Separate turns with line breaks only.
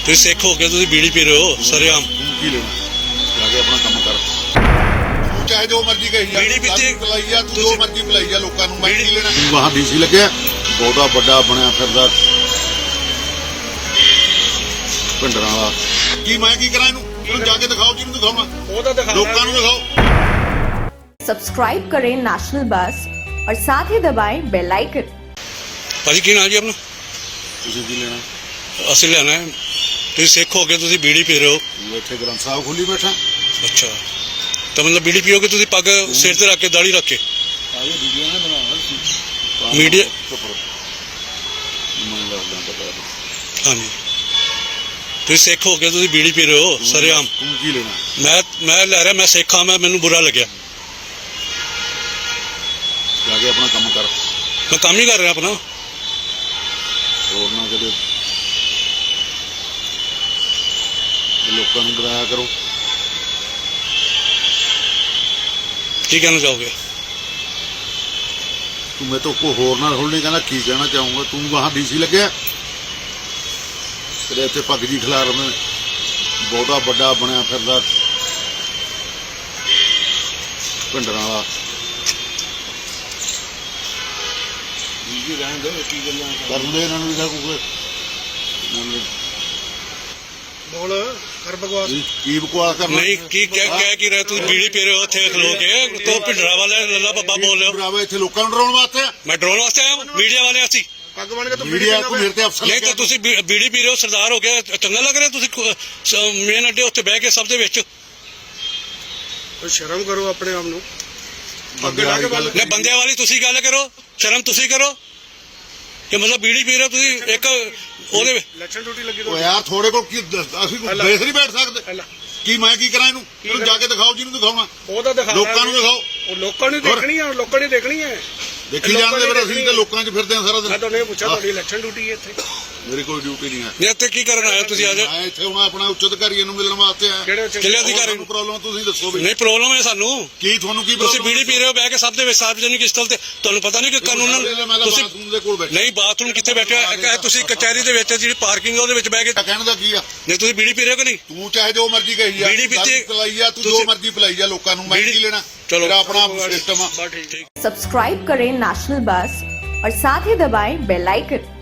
ਤੁਸੀਂ ਸਿੱਖ ਹੋ ਕੇ ਤੁਸੀਂ ਬੀੜੀ ਪੀ ਰਹੇ ਹੋ ਸਰੇਆਮ।
ਤੂੰ ਕੀ ਲੈਣਾ ਜਾ ਕੇ ਆਪਣਾ ਕੰਮ ਕਰ। ਤੂੰ ਚਾਹੇ ਜੋ ਮਰਜ਼ੀ ਕਹੀ ਜਾ,
ਬੀੜੀ ਪੀਤੀ
ਪਿਲਾਈ ਜਾ, ਤੂੰ ਜੋ ਮਰਜ਼ੀ ਪਿਲਾਈ ਜਾ ਲੋਕਾਂ ਨੂੰ, ਮੈਂ ਕੀ ਲੈਣਾ। ਤੂੰ ਵਾਹ ਡੀਸੀ ਲੱਗਿਆ, ਬਹੁਤਾ ਵੱਡਾ ਬਣਿਆ ਫਿਰਦਾ ਭਿੰਡਰਾਂ ਵਾਲਾ। ਕੀ ਮੈਂ ਕੀ ਕਰਾਂ ਇਹਨੂੰ ਜਾ ਕੇ ਦਿਖਾਓ, ਜਿਹਨੂੰ ਦਿਖਾਉਣਾ
ਉਹ ਤਾਂ ਦਿਖਾ
ਲੋਕਾਂ ਨੂੰ ਦਿਖਾਓ।
सब्सक्राइब करें नेशनल बस और साथ ही दबाएं बेल आइकन।
ਭਾਜੀ ਕੀ ਨਾਂ ਜੀ ਆਪਣਾ?
ਤੁਸੀਂ ਕੀ ਲੈਣਾ?
ਅਸੀਂ ਲੈਣਾ ਹੈ। ਤੁਸੀਂ ਸਿੱਖ ਹੋ ਕੇ ਤੁਸੀਂ ਬੀੜੀ ਪੀ ਰਹੇ ਹੋ।
ਤੂੰ ਇੱਥੇ ਗ੍ਰੰਥ ਸਾਹਿਬ ਖੋਲੀ ਬੈਠਾ।
ਅੱਛਾ, ਤਾਂ ਮਤਲਬ ਬੀੜੀ ਪੀਓਗੇ ਤੁਸੀਂ ਪੱਗ ਸਿਰ ਤੇ ਰੱਖ ਕੇ ਦਾੜੀ ਰੱਖ ਕੇ?
ਆਹ ਵੀਡੀਓ ਨਾ ਬਣਾਉਣਾ
ਮੀਡੀਆ
ਮੈਨੂੰ ਲੱਗਦਾ ਪਤਾ।
ਹਾਂਜੀ, ਤੁਸੀਂ ਸਿੱਖ ਹੋ ਕੇ ਤੁਸੀਂ ਬੀੜੀ ਪੀ ਰਹੇ ਹੋ ਸਰੇਆਮ।
ਤੂੰ ਕੀ ਲੈਣਾ?
ਮੈਂ ਲੈ ਰਿਹਾ, ਮੈਂ ਸਿੱਖ ਹਾਂ, ਮੈਨੂੰ ਬੁਰਾ ਲੱਗਿਆ।
ਜਾ ਕੇ ਆਪਣਾ ਕੰਮ ਕਰ।
ਮੈਂ ਕੰਮ ਹੀ ਕਰ ਰਿਹਾ ਆਪਣਾ।
ਹੋਰ ਨਾ ਕਦੇ ਲੋਕਾਂ ਨੂੰ ਡਰਾਇਆ ਕਰੋ।
ਕੀ ਕਹਿਣਾ ਚਾਹੋਗੇ?
ਤੂੰ ਮੈਂ ਤਾਂ ਕੋਈ ਹੋਰ ਨਾਲ ਥੋੜ੍ਹੀ ਕਹਿੰਦਾ, ਕੀ ਕਹਿਣਾ ਚਾਹੂੰਗਾ। ਤੂੰ ਵਾਹ ਡੀਸੀ ਲੱਗਿਆ, ਤੇਰੇ ਇੱਥੇ ਪੱਗ ਜੀ ਖਿਲਾਰ ਮੈਂ ਬਹੁਤਾ ਵੱਡਾ ਬਣਿਆ ਫਿਰਦਾ ਭਿੰਡਰਾਂ ਵਾਲਾ। ਕਰਨ ਦੇ ਇਹਨਾਂ ਨੂੰ ਵੀ ਕੋਈ
ਬੋਲ ਕਰ ਬਕਵਾਸ।
ਕੀ ਬਕਵਾਸ ਕਰਨਾ?
ਨਹੀਂ, ਕੀ ਕਹਿ ਕੀ ਰਹੇ ਤੁਸੀਂ? ਬੀੜੀ ਪੀ ਰਹੇ ਹੋ ਉੱਥੇ ਖਲੋ ਕੇ, ਤੋ ਭਿੰਡਰਾ ਵਾਲੇ ਲੱਲਾ ਬੱਬਾ ਬੋਲ ਰਹੇ ਹੋ।
ਭਰਾਵਾ ਇੱਥੇ ਲੋਕਾਂ ਨੂੰ ਡਰਾਉਣ ਵਾਸਤੇ ਆ।
ਮੈਂ ਡਰਾਉਣ ਵਾਸਤੇ ਆਇਆ? ਮੀਡੀਆ ਵਾਲੇ ਅਸੀਂ?
ਪੱਗ ਬਣ ਕੇ ਤੂੰ
ਮੀਡੀਆ ਤੂੰ ਮੇਰੇ ਤੇ ਅਫਸਰ
ਨਹੀਂ ਤਾਂ ਤੁਸੀਂ ਬੀੜੀ ਪੀ ਰਹੇ ਹੋ, ਸਰਦਾਰ ਹੋ ਗਿਆ, ਚੰਗਾ ਲੱਗ ਰਿਹਾ? ਤੁਸੀਂ ਮੇਨ ਅੱਡੇ ਉੱਤੇ ਬਹਿ ਕੇ ਸਭ ਦੇ ਵਿੱਚ
ਕੋਈ ਸ਼ਰਮ ਕਰੋ ਆਪਣੇ ਆਪ ਨੂੰ।
ਬੰਦੇ ਵਾਲੀ ਗੱਲ
ਨੇ ਬੰਦਿਆਂ ਵਾਲੀ ਤੁਸੀਂ ਗੱਲ ਕਰੋ, ਸ਼ਰਮ ਤੁਸੀਂ ਕਰੋ। ਕਿ ਮਤਲਬ ਬੀੜੀ ਪੀ ਰਹੇ ਹੋ ਤੁਸੀਂ ਇੱਕ ਉਹਦੇ
ਇਲੈਕਸ਼ਨ ਡਿਊਟੀ ਲੱਗੀ
ਓ ਯਾਰ ਥੋੜੇ ਕੋਲ ਕੀ ਅਸੀਂ ਕੋਈ ਦੇਖ ਨਹੀਂ ਬੈਠ ਸਕਦੇ। ਕੀ ਮੈਂ ਕੀ ਕਰਾਂ ਇਹਨੂੰ ਜਾ ਕੇ ਦਿਖਾਓ, ਜਿਹਨੂੰ ਦਿਖਾਉਣਾ
ਉਹ ਤਾਂ ਦਿਖਾ
ਲੋਕਾਂ ਨੂੰ ਦਿਖਾਓ।
ਉਹ ਲੋਕਾਂ ਨੂੰ ਦੇਖਣੀ ਆ, ਲੋਕਾਂ ਨੇ ਦੇਖਣੀ ਹੈ।
ਦੇਖੀ ਜਾਂਦੇ ਫਿਰ ਅਸੀਂ ਤਾਂ ਲੋਕਾਂ 'ਚ ਫਿਰਦੇ ਆ ਸਾਰਾ
ਮੈਂ
ਦਿਨ।
ਤੁਹਾਨੂੰ ਇਹ ਪੁੱਛਿਆ, ਤੁਹਾਡੀ ਇਲੈਕਸ਼ਨ ਡਿਊਟੀ ਹੈ ਇੱਥੇ?
ਮੇਰੀ ਕੋਈ ਡਿਊਟੀ ਨਹੀਂ ਹੈ।
ਨੇ ਇੱਥੇ ਕੀ ਕਰਨ ਆਏ ਹੋ ਤੁਸੀਂ ਅੱਜ?
ਮੈਂ ਇੱਥੇ ਹੁਣ ਆਪਣਾ ਉੱਚ ਅਧਿਕਾਰੀ ਨੂੰ ਮਿਲਣ ਵਾਸਤੇ ਆਇਆ।
ਕਿਹੜੇ
ਕਿਹੜੇ ਅਧਿਕਾਰੀ
ਨੂੰ ਪ੍ਰੋਬਲਮ ਤੁਸੀਂ ਦੱਸੋ ਵੀ।
ਨਹੀਂ ਪ੍ਰੋਬਲਮ ਹੈ ਸਾਨੂੰ।
ਕੀ ਤੁਹਾਨੂੰ ਕੀ
ਤੁਸੀਂ
problem
ਬੀੜੀ ਪੀ ਰਹੇ ਹੋ ਬਹਿ ਕੇ ਸਭ ਦੇ ਵਿੱਚ ਸਾਰਵਜਨਿਕ ਸਥਲ ਤੇ, ਤੁਹਾਨੂੰ ਪਤਾ ਨਹੀਂ ਕਿ ਕਾਨੂੰਨ
ਮੈਂ ਤਾਂ
ਤੁਸੀਂ
ਬਾਥਰੂਮ ਦੇ ਕੋਲ ਬੈਠਾ।
ਨਹੀਂ ਬਾਥਰੂਮ ਕਿੱਥੇ ਬੈਠੇ ਹੋ? ਤੁਸੀਂ ਕਚਹਿਰੀ ਦੇ ਵਿੱਚ ਜਿਹੜੀ ਪਾਰਕਿੰਗ ਉਹਦੇ ਵਿੱਚ ਬਹਿ ਕੇ
ਕਹਿਣ ਦਾ ਕੀ ਆ?
ਨਹੀਂ ਤੁਸੀਂ ਬੀੜੀ ਪੀ ਰਹੇ ਹੋ ਕਿ ਨਹੀਂ?
ਤੂੰ ਚਾਹੇ ਜੋ ਮਰਜ਼ੀ ਕਹੀ ਜਾ,
ਬੀੜੀ ਪੀਤੀ
ਪਿਲਾਈ ਜਾ, ਤੂੰ ਜੋ ਮਰਜ਼ੀ ਪਿਲਾਈ ਜਾ ਲੋਕਾਂ ਨੂੰ, ਮੈਂ ਕੀ ਲੈਣਾ।
ਚਲੋ
ਮੇਰਾ ਆਪਣਾ ਸਿਸਟਮ ਆ।
ਠੀਕ।
सब्सक्राइब करें नेशनल बस और साथ ही दबाएं बेल आइकन।